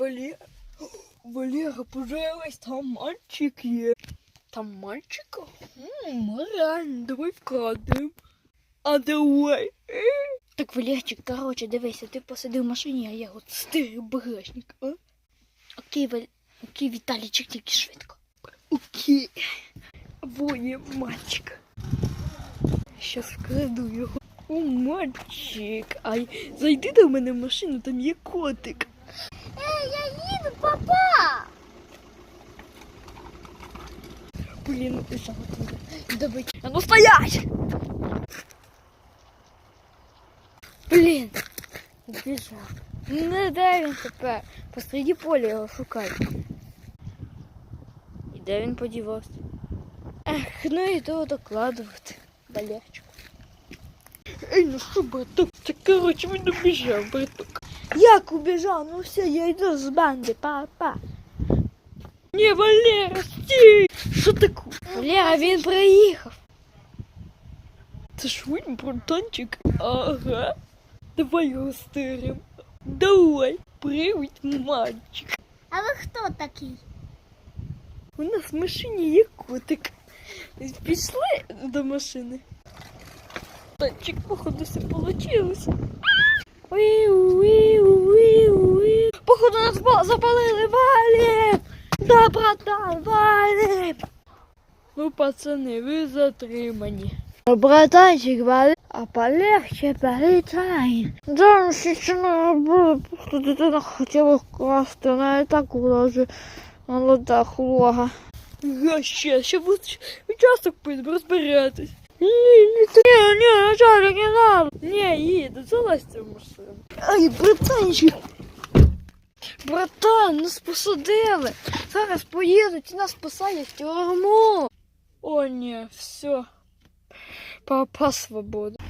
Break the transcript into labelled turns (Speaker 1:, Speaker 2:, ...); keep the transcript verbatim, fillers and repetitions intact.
Speaker 1: Валера, Валера, пожалуйста, там мальчик є. Там мальчика? М, реально, давай вкрадемо. А давай. Так, Валерчик, короче, дивися, ти посиди в машині, а я от стирю багажник, а? Окей, Валь... Окей, Віталійчик, тільки швидко. Окей. Вон є мальчик. Щас вкраду його. О, мальчик. Ай, зайди до мене в машину, там є котик.
Speaker 2: Ей, я їду, папа!
Speaker 1: Блін, завтра. Давай. А ну стоять! Блін, збіжав. Не де він тепер? Посреди поля його шукають. І де він подівався? Ех, ну і того докладувати. Валерчику. Ей, ну що, браток? Це, коротше, він убіжав, браток. Як убіжав? Ну все, я йду з банди, папа. Ні, Валера, стій! Що таке? Валера, він приїхав. Це ж він, братанчик? Ага. Давай його стиримо. Давай. Привіт, мальчик.
Speaker 2: А ви хто такий?
Speaker 1: У нас в машині є котик. Пішли до машини. Танчик, походу, все получилось. Походу, нас запалили, валим! Да, братан, валим! Ну, пацани, ви затримані. Братанчик, валим, а полегче політай. Да, ну ще не робили, просто дитина хотіла вкрасти, вона і так уже молода хлога. Га, ще, ще в участок поїдемо розбиратись. Ні, ні, ні, ні, начальник, не надо. Ні, їду, залазьте в машину. Ай, братанчик. Братан, нас посадили. Зараз поїдуть і нас посадять в тюрму. О, ні, все. Папа свобода.